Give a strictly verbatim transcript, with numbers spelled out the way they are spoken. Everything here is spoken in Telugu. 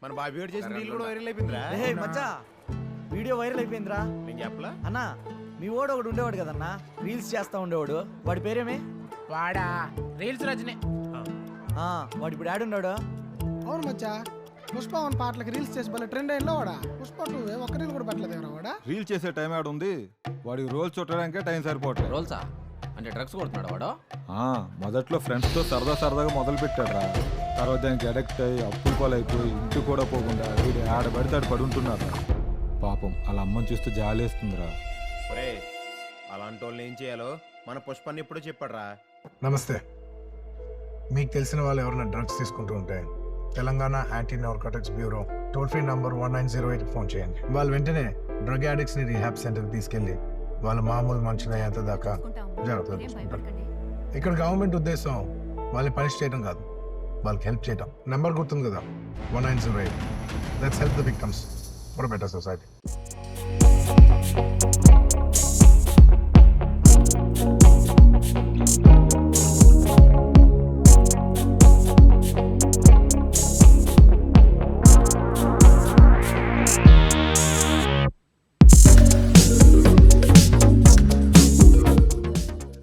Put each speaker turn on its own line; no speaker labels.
మన బాబీ గారు చేసిన రీల్ కూడా వైరల్ అయిపోయిందిరా.
ఏ మచ్చా వీడియో వైరల్ అయిపోయిందిరా.
నేను చెప్పలా
అన్నా మీ వాడు ఒకడు ఉండేవాడు కదన్నా రీల్స్ చేస్తా ఉండేవాడు. వాడి పేరేమే?
వాడా రీల్స్ రజనే.
ఆ, వాడు ఇప్పుడు ఆడున్నాడు.
అవును మచ్చా, పుష్ప వన్ పాటలకు రీల్స్ చేసి భలే ట్రెండ్ అయినా వాడా. పుష్ప టూ ఒక్క రీల్ కూడా పెట్టలేదు వాడా.
రీల్ చేసే టైం ఆడ ఉంది, వాడికి రోల్స్ చుట్టడానికే టైం సరిపోవట్లేదు.
రోల్సా అంటే డ్రగ్స్ కొడుతున్నాడు వాడు?
మొదట్లో ఫ్రెండ్స్తో సరదా సరదాగా మొదలు పెట్టాడు రా. తర్వాత దానికి అడిక్ట్ అయ్యి అప్పులు పాలైపోయి ఇంటి కూడా పోకుండా వీడు ఆడ పడితే ఆడ పడి ఉంటున్నారు. పాపం అలా అమ్మని చూస్తే జాలేస్తుందిరా.
ఒరే అలాంటి వాళ్ళని ఏం చేయాలో మన పుష్పాన్ని ఎప్పుడో చెప్పాడురా.
నమస్తే. మీకు తెలిసిన వాళ్ళు ఎవరైనా డ్రగ్స్ తీసుకుంటూ ఉంటే Telangana anti narcotics bureau toll free number one nine zero eight phone చేయండి. వాళ్ళు వెంటనే డ్రగ్ అడిక్ట్స్ ని రీహాబ్ సెంటర్కి తీసుకెళ్లి వాళ్ళ మామూలు మనుషులు అయ్యేంత దాకా జాగ్రత్తలు తీసుకుంటారు. ఇక్కడ గవర్నమెంట్ ఉద్దేశం వాళ్ళని పనిష్ చేయడం కాదు, వాళ్ళకి హెల్ప్ చేయడం. నెంబర్ గుర్తుంది కదా, one nine zero eight. Let's help the victims for better society.